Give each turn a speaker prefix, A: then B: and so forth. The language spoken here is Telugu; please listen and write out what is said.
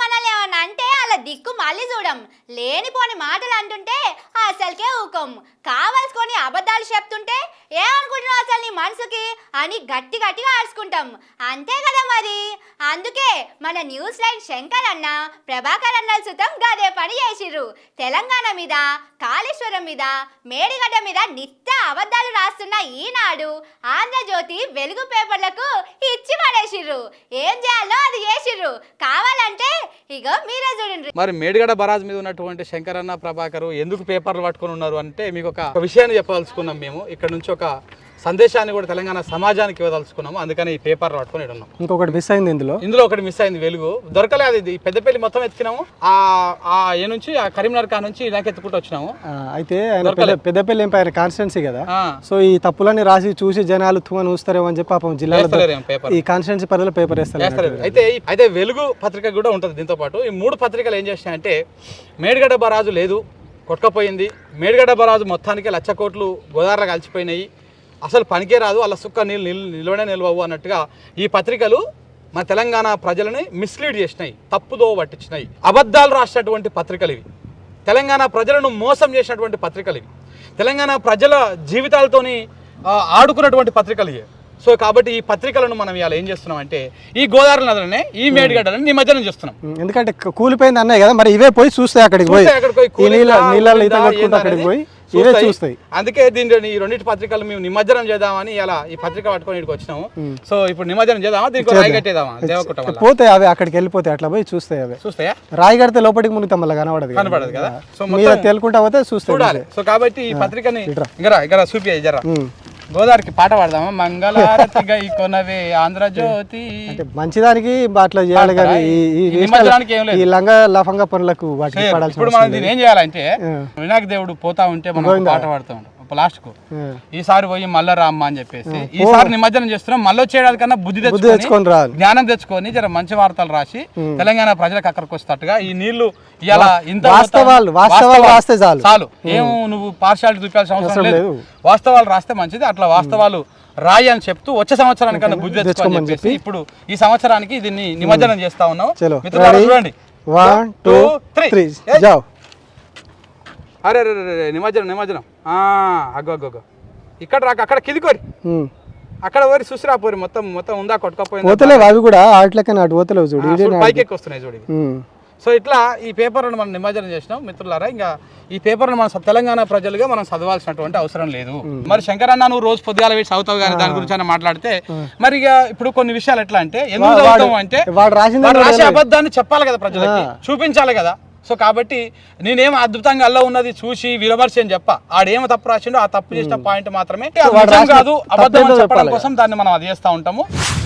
A: తెలంగాణలో ఏమన్నా అంటే అలా దిక్కు మళ్ళీ చూడం. లేనిపోని మాటలు అంటుంటే అసలుకే ఊకం. కావాల్సుకొని అబద్ధాలు చెప్తుంటే ఏమనుకుంటున్నావు అసలు నీ మనసుకి అని గట్టి గట్టిగా ఆడుచుకుంటాం. అంతే కదా మరి. అందుకే మన న్యూస్ లైన్ శంకర్ అన్న ప్రభాకర్ అన్నల సుతం గదే పని చేసిర్రు. తెలంగాణ మీద, కాళేశ్వరం మీద, మేడిగడ్డ మీద నిత్య అబద్ధాలు రాస్తున్న ఈనాడు, ఆంధ్రజ్యోతి, వెలుగు పేపర్లకు ఇచ్చి పడేసిర్రు. ఏం చేయాలో అది చేసిర్రు. కావాలంటే ఇగో మీరే చూడండి.
B: మరి మేడిగడ్డ బరాజ్ మీద ఉన్నటువంటి శంకర్ అన్న, ప్రభాకర్ ఎందుకు పేపర్లు పట్టుకొని ఉన్నారు అంటే మీకు ఒక విషయాన్ని చెప్పదలుచుకున్నాం. మేము ఇక్కడ నుంచి ఒక సందేశాన్ని కూడా తెలంగాణ సమాజానికి ఇవ్వదలుచుకున్నాము. అందుకని ఈ పేపర్లు పట్టుకొని ఉన్నాం.
C: ఇంకొకటి మిస్ అయింది ఇందులో ఒకటి మిస్ అయింది. వెలుగు దొరకలేదు. ఇది పెద్దపల్లి మొత్తం ఎత్తినాము. ఏ నుంచి ఆ కరీంనగర్ కా నుంచి ఇలాగ ఎత్తుకుంటూ వచ్చినాము. అయితే పెద్దపల్లి ఎంపైర్ కాన్స్టిట్యున్సీ కదా, సో ఈ తప్పులన్నీ రాసి చూసి జనాలు తుమ్మని చూస్తారేమో అని చెప్పి పాపం జిల్లాలో ఈ కాన్స్టిట్యున్సీ పరిధిలో పేపర్ వేస్తారు.
B: అయితే వెలుగు పత్రిక కూడా ఉంటుంది. దీంతో పాటు ఈ 3 పత్రికలు ఏం చేసినాయంటే మేడిగడ్డ బరాజు లేదు, కొట్టుకపోయింది. మేడిగడ్డ బరాజు మొత్తానికి 1,00,000 కోట్లు గోదావరిలో కలిసిపోయినాయి, అసలు పనికే రాదు, అలా సుక్క నిల్వనే నిల్వవు అన్నట్టుగా ఈ పత్రికలు మన తెలంగాణ ప్రజలని మిస్లీడ్ చేసినాయి, తప్పుదో పట్టించినాయి. అబద్ధాలు రాసినటువంటి పత్రికలు ఇవి. తెలంగాణ ప్రజలను మోసం చేసినటువంటి పత్రికలు ఇవి. తెలంగాణ ప్రజల జీవితాలతోని ఆడుకున్నటువంటి పత్రికలు ఇవి. సో కాబట్టి ఈ పత్రికలను మనం ఇవాళ ఏం చేస్తున్నాం అంటే ఈ గోదావరి నదులనే ఈ మేడిగడ్డలని నిమజ్జనం చేస్తున్నాం.
C: ఎందుకంటే కూలిపోయింది అన్నాయి కదా, మరి ఇవే పోయి చూస్తాయి అక్కడికి పోయి అక్కడికి పోయి ఇవే చూస్తాయి.
B: అందుకే దీని ఈ 2 పత్రికలు మేము నిమజ్జనం చేద్దామని ఇలా ఈ పత్రిక పట్టుకొని ఇక్కడికి వచ్చినాము. సో ఇప్పుడు నిమజ్జనం చేద్దామా, దీనికి రాయి కట్టేద్దామా? దేవకుట్ట
C: పోతాయి అవి అక్కడికి వెళ్ళిపోతాయి, అట్లా పోయి చూస్తాయి. అవి చూస్తాయా? రాయి కడితే లోపలికి మునిగితే మళ్ళీ కనబడదు కదా. సో తేలుకుంటా పోతే చూడాలి.
B: సో కాబట్టి ఈ పత్రికని ఇక్కడ చూపి జరా గోదావరికి పాట పాడదామా? మంగళారతిగా ఈ కొనవే ఆంధ్రజ్యోతి.
C: అంటే మంచిదానికి అట్లా చేయాలి కానీ ఈ లంగా లఫంగా పనులకు
B: ఇప్పుడు మనం దీన్ని ఏం చేయాలంటే వినాయక దేవుడు పోతా ఉంటే మనం పాట పాడుతూ ఉంటాం లాస్ట్ కు. ఈసారి పోయి మళ్ళా రామ్మ అని చెప్పేసి ఈసారి నిమజ్జనం చేస్తున్నాం. మళ్ళీ వచ్చేయడానికి కన్నా బుద్ధి తెచ్చుకొని జ్ఞానం తెచ్చుకొని జర మంచి వార్తలు రాసి తెలంగాణ ప్రజలకు అక్కడికి వస్తట్టుగా ఈ నీళ్లు ఇలా ఇంత చాలు. ఏం నువ్వు పార్షాలిటీ చూపాల్సిన అవసరం లేదు. వాస్తవాలు రాస్తే మంచిది. అట్లా వాస్తవాలు రాయి అని చెప్తూ వచ్చే సంవత్సరానికన్నా బుద్ధి తెచ్చుకోని చెప్పేసి ఇప్పుడు ఈ సంవత్సరానికి దీన్ని నిమజ్జనం చేస్తా ఉన్నాం. చూడండి
C: 1 2 3
B: అరే నిమజ్జనం అగ్గో ఇక్కడ రాక అక్కడ కిదికోరి అక్కడ పోయి చూసిరా పోరి మొత్తం ఉందా కొట్టుకపోయింది.
C: అవి కూడా ఆటలకన్నా అటు పోతలేవు చూడు,
B: పైకి ఎక్కువ వస్తున్నాయి చూడు. సో ఇట్లా ఈ పేపర్లను మనం నిమజ్జనం చేసినాం మిత్రులారా. ఇంకా ఈ పేపర్ను మన తెలంగాణ ప్రజలుగా మనం చదవాల్సినటువంటి అవసరం లేదు. మరి శంకర్ అన్న నువ్వు రోజు పొద్దుగాల వేసి చదువుతావు కానీ దాని గురించి మాట్లాడితే మరి ఇక ఇప్పుడు కొన్ని విషయాలు ఎట్లా అంటే ఎందుకు చదువుతాము అంటే రాసే అబద్ధాన్ని చెప్పాలి కదా, ప్రజలకి చూపించాలి కదా. సో కాబట్టి నేనేం అద్భుతంగా అల్ల ఉన్నది చూసి విమర్శ అని చెప్ప ఆడేమో తప్పు రాసిండో ఆ తప్పు చేసిన పాయింట్ మాత్రమే కాదు అబద్ధం చెప్పడం కోసం దాన్ని మనం అది చేస్తూ ఉంటాము.